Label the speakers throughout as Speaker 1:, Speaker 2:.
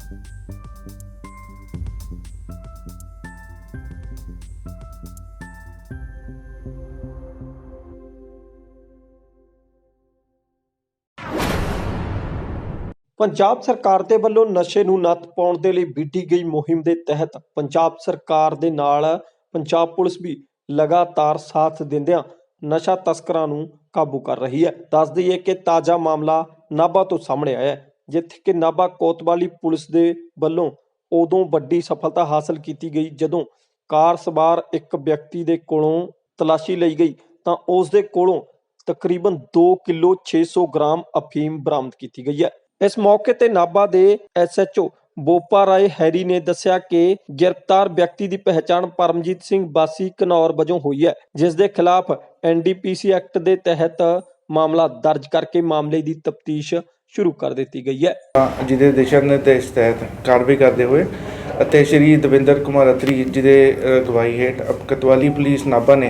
Speaker 1: ਪੰਜਾਬ ਸਰਕਾਰ ਦੇ ਵੱਲੋਂ ਨਸ਼ੇ ਨੂੰ ਨੱਥ ਪਾਉਣ ਦੇ ਲਈ ਵਿੱਢੀ ਗਈ ਮੁਹਿੰਮ ਦੇ ਤਹਿਤ ਪੰਜਾਬ ਸਰਕਾਰ ਦੇ ਨਾਲ ਪੰਜਾਬ ਪੁਲਿਸ ਵੀ ਲਗਾਤਾਰ ਸਾਥ ਦਿੰਦਿਆਂ ਨਸ਼ਾ ਤਸਕਰਾਂ ਨੂੰ ਕਾਬੂ ਕਰ ਰਹੀ ਹੈ। ਦੱਸ ਦਈਏ ਕਿ ਤਾਜ਼ਾ ਮਾਮਲਾ ਨਾਭਾ ਤੋਂ ਸਾਹਮਣੇ ਆਇਆ ਹੈ, ਜਿੱਥੇ ਕਿ ਨਾਭਾ ਕੋਤਵਾਲੀ ਪੁਲਿਸ ਦੇ ਵੱਲੋਂ ਉਦੋਂ ਵੱਡੀ ਸਫਲਤਾ ਹਾਸਲ ਕੀਤੀ ਗਈ ਜਦੋਂ ਕਾਰ ਸਵਾਰ ਇੱਕ ਵਿਅਕਤੀ ਦੇ ਕੋਲੋਂ ਤਲਾਸ਼ੀ ਲਈ ਗਈ ਤਾਂ ਉਸ ਦੇ ਕੋਲੋਂ ਤਕਰੀਬਨ 2 ਕਿਲੋ 600 ਗ੍ਰਾਮ ਅਫੀਮ ਬਰਾਮਦ ਕੀਤੀ ਗਈ ਹੈ। ਇਸ ਮੌਕੇ ਤੇ ਨਾਭਾ ਦੇ SHO ਬੋਪਾ ਰਾਏ ਹੈਰੀ ਨੇ ਦੱਸਿਆ ਕਿ ਗ੍ਰਿਫਤਾਰ ਵਿਅਕਤੀ ਦੀ ਪਹਿਚਾਣ ਪਰਮਜੀਤ ਸਿੰਘ ਵਾਸੀ ਘਨੌਰ ਵਜੋਂ ਹੋਈ ਹੈ, ਜਿਸ ਦੇ ਖਿਲਾਫ NDPC ਐਕਟ ਦੇ ਤਹਿਤ ਮਾਮਲਾ ਦਰਜ ਕਰਕੇ ਮਾਮਲੇ ਦੀ ਤਫਤੀਸ਼ ਸ਼ੁਰੂ ਕਰ ਦਿੱਤੀ ਗਈ ਹੈ।
Speaker 2: ਜਿਹਦੇ ਦਿਸ਼ਾ ਨਿਰਦੇਸ਼ ਤਹਿਤ ਕਾਰਵਾਈ ਕਰਦੇ ਹੋਏ ਅਤੇ ਸ਼੍ਰੀ ਦਵਿੰਦਰ ਕੁਮਾਰ ਅਤਰੀ ਜੀ ਦੇ ਅਗਵਾਈ ਹੇਠ ਕੋਤਵਾਲੀ ਪੁਲਿਸ ਨਾਭਾ ਨੇ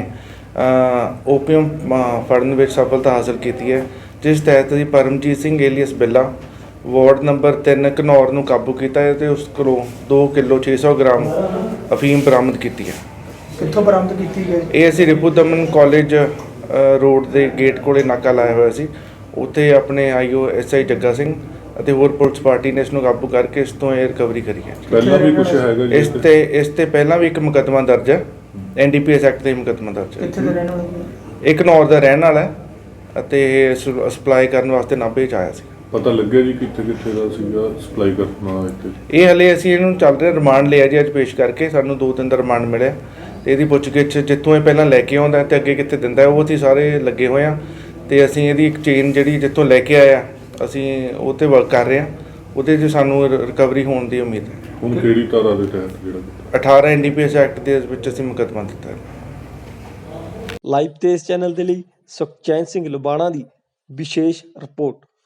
Speaker 2: ਓਪੀਅਮ ਫੜਨ ਵਿੱਚ ਸਫਲਤਾ ਹਾਸਲ ਕੀਤੀ ਹੈ, ਜਿਸ ਤਹਿਤ ਅਸੀਂ Paramjit Singh alias Billa ward number 3 Ghanaur ਨੂੰ ਕਾਬੂ ਕੀਤਾ ਹੈ ਤੇ ਉਸ ਕੋਲੋਂ 2 ਕਿਲੋ 600 ਗ੍ਰਾਮ ਅਫੀਮ ਬਰਾਮਦ ਕੀਤੀ ਹੈ।
Speaker 3: ਕਿੱਥੋਂ ਬਰਾਮਦ ਕੀਤੀ ਗਈ?
Speaker 2: ਇਹ ਅਸੀਂ ਰਿਪੂ ਦਮਨ ਕਾਲਜ ਰੋਡ ਦੇ ਗੇਟ ਕੋਲੇ ਨਾਕਾ ਲਾਇਆ ਹੋਇਆ ਸੀ, ਉੱਥੇ ਆਪਣੇ IO SI ਜੱਗਾ ਸਿੰਘ ਅਤੇ ਹੋਰ ਪੁਲਿਸ ਪਾਰਟੀ ਨੇ ਇਸ ਨੂੰ ਕਾਬੂ ਕਰਕੇ ਇਸ ਤੋਂ ਇਹ ਰਿਕਵਰੀ ਕਰੀ ਹੈ।
Speaker 4: ਪਹਿਲਾਂ ਵੀ ਕੁਝ ਹੈਗਾ ਜੀ
Speaker 2: ਇਸ ਤੇ ਪਹਿਲਾਂ ਵੀ ਇੱਕ ਮੁਕੱਦਮਾ ਦਰਜ ਹੈ, NDPS ਐਕਟ ਦੇ ਮੁਕੱਦਮਾ ਦਰਜ ਹੈ।
Speaker 3: ਕਿੱਥੇ ਦਾ ਰਹਿਣ ਵਾਲਾ?
Speaker 2: ਇੱਕ ਘਨੌਰ ਦਾ ਰਹਿਣ ਵਾਲਾ ਹੈ ਅਤੇ ਸਪਲਾਈ ਕਰਨ ਵਾਸਤੇ ਨਾਭੇ 'ਚ ਆਇਆ ਸੀ।
Speaker 4: ਪਤਾ ਲੱਗਿਆ ਜੀ ਕਿੱਥੇ ਦਾ ਸੀਗਾ ਸਪਲਾਈ ਕਰਨਾ ਇੱਥੇ?
Speaker 2: ਇਹ ਹਲੇ ਅਸੀਂ ਇਹਨੂੰ ਚੱਲ ਰਿਹਾ ਰਿਮਾਂਡ ਲਿਆ ਜੀ, ਅੱਜ ਪੇਸ਼ ਕਰਕੇ ਸਾਨੂੰ 2 ਦਿਨ ਦਾ ਰਿਮਾਂਡ ਮਿਲਿਆ ਤੇ ਇਹਦੀ ਪੁੱਛਗਿੱਛ ਜਿੱਥੋਂ ਇਹ ਪਹਿਲਾਂ ਲੈ ਕੇ ਆਉਂਦਾ ਤੇ ਅੱਗੇ ਕਿੱਥੇ ਦਿੰਦਾ ਉਹ ਅਸੀਂ ਸਾਰੇ ਲੱਗੇ ਹੋਏ ਆ ਤੇ ਅਸੀਂ ਇਹਦੀ ਇੱਕ ਚੇਨ ਜਿਹੜੀ ਜਿੱਥੋਂ ਲੈ ਕੇ ਆਇਆ ਅਸੀਂ ਉਹ 'ਤੇ ਵਰਕ ਕਰ ਰਹੇ ਹਾਂ, ਉਹਦੇ 'ਚ ਸਾਨੂੰ ਰਿਕਵਰੀ ਹੋਣ ਦੀ ਉਮੀਦ ਹੈ।
Speaker 4: ਹੁਣ ਕਿਹੜੀ ਧਾਰਾ ਦੇ ਤਹਿਤ ਜਿਹੜਾ
Speaker 2: 18 NDPS ਐਕਟ ਦੇ ਵਿੱਚ ਅਸੀਂ ਮੁਕੱਦਮਾ ਦਿੱਤਾ ਹੈ।
Speaker 1: ਲਾਈਵ ਤੇਜ਼ ਚੈਨਲ ਦੇ ਲਈ ਸੁਖਚੈਨ ਸਿੰਘ ਲੁਬਾਣਾ ਦੀ ਵਿਸ਼ੇਸ਼ ਰਿਪੋਰਟ।